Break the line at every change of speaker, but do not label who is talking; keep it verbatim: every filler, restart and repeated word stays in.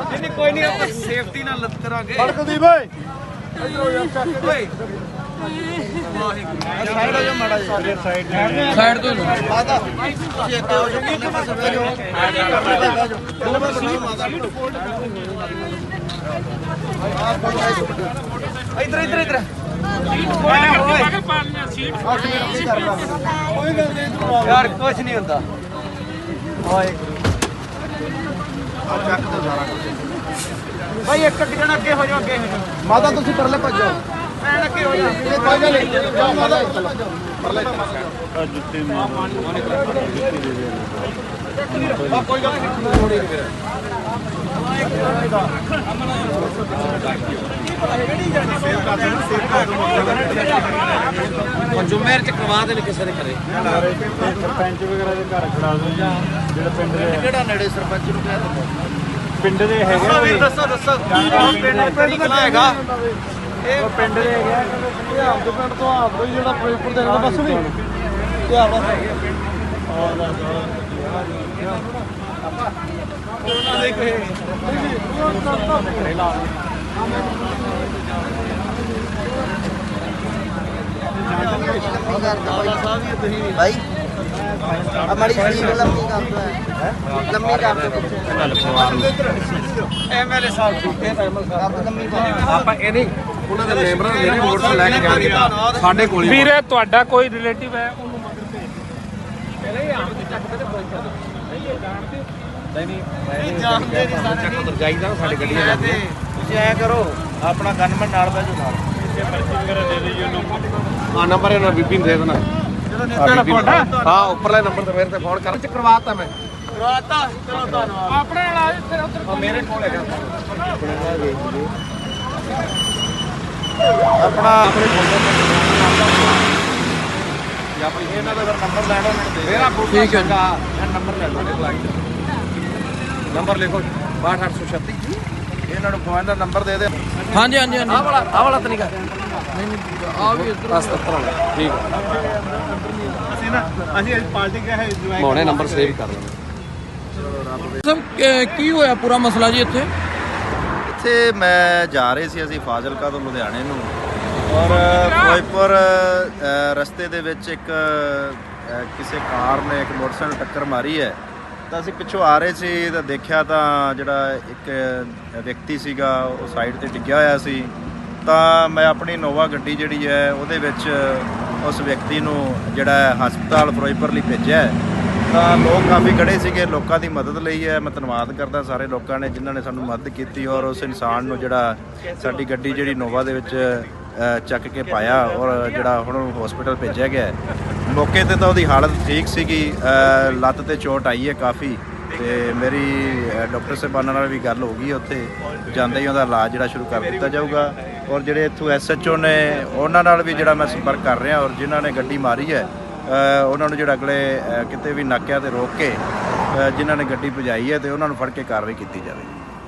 नहीं कोई नहीं आप सेफ्टी ना लत करांगे
फड़कदी भाई
ओए साइड हो जाओ माड़ा साइड
ਸਾਈਡ ਤੋਂ
माता ਤੁਸੀਂ ਅੱਗੇ ਹੋ ਜਾਓ ਕਿੰਨੇ ਪਾਸੇ ਬਹਿ ਜਾਓ ਪਹਿਲੇ ਪਾਸੇ ਬਣਾਓ ਮਾਤਾ ਇਧਰ ਇਧਰ ਇਧਰ यार कुछ नहीं होता भाई एक एक जना अगे हो जाओ अगे हो जाओ माता तुम परले भज जाओ मैं अगे हो जाओ माता परले जुत्ते कोई गल जुम्मेर च करवा दे किसी ने करे
सरपंच वगैरह ਦੇ ਘਰ ਖੜਾ ਦੋ ਜਾਂ ਜਿਹੜਾ ਪਿੰਡ ਦੇ
ਕਿਹੜਾ ਨੇੜੇ ਸਰਪੰਚ ਨੂੰ ਕਹਿ ਦਿੰਦਾ
ਪਿੰਡ ਦੇ ਹੈਗੇ
ਦੱਸੋ ਦੱਸੋ ਪਿੰਡ ਪਿੰਡ ਕਿਹੜਾ ਹੈਗਾ
ਇਹ ਪਿੰਡ ਦੇ ਹੈਗੇ ਆ ਕਹਿੰਦੇ ਆਪਦੇ ਪਿੰਡ ਤੋਂ ਆਪਦੇ ਜਿਹੜਾ ਫਿਰੋਜ਼ਪੁਰ ਦੇ ਨਾਲ ਬਸ ਵੀ ਇਹ ਆਵਾ
भाई हमारी स्लीव लंबी कर दो लंबी कर दो एमएलए साहब झूठे आप लंबी आप ये नहीं ਉਹਨਾਂ ਦੇ ਮੈਂਬਰਾਂ ਨੇ ਜਿਹੜੀ ਵੋਟ ਲੈ ਕੇ ਜਾਣਗੇ ਸਾਡੇ ਕੋਲ
ਵੀਰੇ ਤੁਹਾਡਾ ਕੋਈ ਰਿਲੇਟਿਵ ਹੈ ਉਹਨੂੰ ਮਦਦ ਭੇਜ ਪਹਿਲੇ ਹੀ ਆਮ ਦੇ ਚੱਕ ਤੇ ਪੁੱਛ ਦੋ ਨਹੀਂ ਜਾਣਦੇ ਨਹੀਂ ਨਹੀਂ ਜਾਣਦੇ ਨਹੀਂ ਸਾਡੇ ਚੱਕ ਉਧਰ ਜਾਈਦਾ ਸਾਡੀ ਗੱਡੀਆਂ ਜਾਂਦੇ
ਤੁਸੀਂ ਐ ਕਰੋ ਆਪਣਾ ਗਨਮੈਨ ਨਾਲ ਬੈਜੋ ਨਾਲ
ਇੱਥੇ ਪਰਚੀ ਵਗੈਰਾ ਦੇ ਦਿਓ ਉਹਨੂੰ
ਆ ਨੰਬਰ ਇਹਨਾਂ ਬੀਬੀ ਨੂੰ ਦੇ ਦੇਣਾ ਹਾਂ ਉੱਪਰਲੇ ਨੰਬਰ ਤੇ ਮੇਰੇ ਤੇ ਫੋਨ ਕਰ ਚ ਕਰਵਾਤਾ ਮੈਂ ਕਰਵਾਤਾ ਚਲੋ ਧੰਨਵਾਦ
ਆਪਣੇ ਨਾਲ ਆ ਫਿਰ ਉਧਰ
ਮੇਰੇ ਕੋਲ ਹੈਗਾ ਆਪਣਾ ਆਪਣੇ ਫੋਨ ਜਾਂ ਕੋਈ ਇਹਨਾਂ ਦਾ ਨੰਬਰ ਲੈਣਾ ਉਹਨਾਂ ਨੂੰ ਦੇ ਮੇਰਾ
ਠੀਕ ਹੈ
ਨੰਬਰ ਲੈ ਲਓ ਨੰਬਰ ਲਿਖੋ ਬਾਹਠ ਅੱਠ ਸੌ ਛੱਤੀ ਇਹਨਾਂ ਨੂੰ ਫੋਨ ਦਾ ਨੰਬਰ ਦੇ ਦੇ
ਹਾਂਜੀ ਹਾਂਜੀ ਹਾਂਜੀ
ਆਹ ਵਾਲਾ ਆਹ ਵਾਲਾ ਤਰੀਕਾ
ਨਹੀਂ ਨਹੀਂ ਆ ਵੀ ਇਧਰ
ਸਤੱਤਰ ਵਾਲਾ ਠੀਕ ਹੈ
ਅਸੀਂ ਨਾ ਅਸੀਂ ਅੱਜ ਪਾਰਟੀ ਗਿਆ ਹੈ
ਮੋਨੇ ਨੰਬਰ ਸੇਵ ਕਰ ਲੈਣਾ
ਸਭ ਕੀ ਹੋਇਆ ਪੂਰਾ ਮਸਲਾ ਜੀ ਇੱਥੇ
ਇੱਥੇ ਮੈਂ ਜਾ ਰਹੇ ਸੀ ਅਸੀਂ ਫਾਜ਼ਿਲਕਾ ਤੋਂ ਲੁਧਿਆਣੇ ਨੂੰ ਔਰ ਫਿਰੋਜ਼ਪੁਰ ਰਸਤੇ ਦੇ ਵਿੱਚ ਇੱਕ ਕਿਸੇ ਕਾਰ ਨੇ ਇੱਕ ਮੋਟਰਸਾਈਕਲ ਟੱਕਰ ਮਾਰੀ ਹੈ ਤਾਂ ਅਸੀਂ ਪਿੱਛੋਂ ਆ ਰਹੇ ਸੀ ਤਾਂ ਦੇਖਿਆ ਤਾਂ ਜਿਹੜਾ ਇੱਕ ਵਿਅਕਤੀ ਸੀਗਾ ਉਹ ਸਾਈਡ ਤੇ ਡਿੱਗਿਆ ਹੋਇਆ ਸੀ ਤਾਂ ਮੈਂ ਆਪਣੀ ਨੋਵਾ ਗੱਡੀ ਜਿਹੜੀ ਹੈ ਉਹਦੇ ਵਿੱਚ ਉਸ ਵਿਅਕਤੀ ਨੂੰ ਜਿਹੜਾ ਹਸਪਤਾਲ ਫਿਰੋਜ਼ਪੁਰ ਲਈ ਭੇਜਿਆ ਤਾਂ ਲੋਕ ਕਾਫੀ ਖੜੇ ਸੀਗੇ ਲੋਕਾਂ ਦੀ ਮਦਦ ਲਈ ਹੈ ਮੈਂ ਧੰਨਵਾਦ ਕਰਦਾ ਸਾਰੇ ਲੋਕਾਂ ਨੇ ਜਿਨ੍ਹਾਂ ਨੇ ਸਾਨੂੰ ਮਦਦ ਕੀਤੀ ਔਰ ਉਸ ਇਨਸਾਨ ਨੂੰ ਜਿਹੜਾ ਸਾਡੀ ਗੱਡੀ ਜਿਹੜੀ ਨੋਵਾ ਦੇ ਵਿੱਚ ਚੱਕ ਕੇ ਪਾਇਆ ਔਰ ਜਿਹੜਾ ਹੁਣ ਹਸਪੀਟਲ ਭੇਜਿਆ ਗਿਆ ਮੌਕੇ ਤੇ ਤਾਂ ਉਹਦੀ ਹਾਲਤ ਠੀਕ ਸੀਗੀ ਲੱਤ ਤੇ ਚੋਟ ਆਈ ਹੈ ਕਾਫੀ ਤੇ ਮੇਰੀ ਡਾਕਟਰ ਸਾਹਿਬਾਨਾਂ ਨਾਲ ਵੀ ਗੱਲ ਹੋ ਗਈ ਉੱਥੇ ਜਾਂਦੇ ਹੀ ਉਹਦਾ ਇਲਾਜ ਜਿਹੜਾ ਸ਼ੁਰੂ ਕਰ ਦਿੱਤਾ ਜਾਊਗਾ ਔਰ ਜਿਹੜੇ ਇੱਥੋਂ ਐਸ ਐਚ ਓ ਨੇ ਉਹਨਾਂ ਨਾਲ ਵੀ ਜਿਹੜਾ ਮੈਂ ਸੰਪਰਕ ਕਰ ਰਿਹਾ ਔਰ ਜਿਨ੍ਹਾਂ ਨੇ ਗੱਡੀ ਮਾਰੀ ਹੈ ਉਹਨਾਂ ਨੂੰ ਜਿਹੜਾ ਅਗਲੇ ਕਿਤੇ ਵੀ ਨਾਕਿਆਂ ਤੇ ਰੋਕ ਕੇ ਜਿਨ੍ਹਾਂ ਨੇ ਗੱਡੀ ਭਜਾਈ ਹੈ ਤੇ ਉਹਨਾਂ ਨੂੰ ਫੜ ਕੇ ਕਾਰਵਾਈ ਕੀਤੀ ਜਾਵੇ।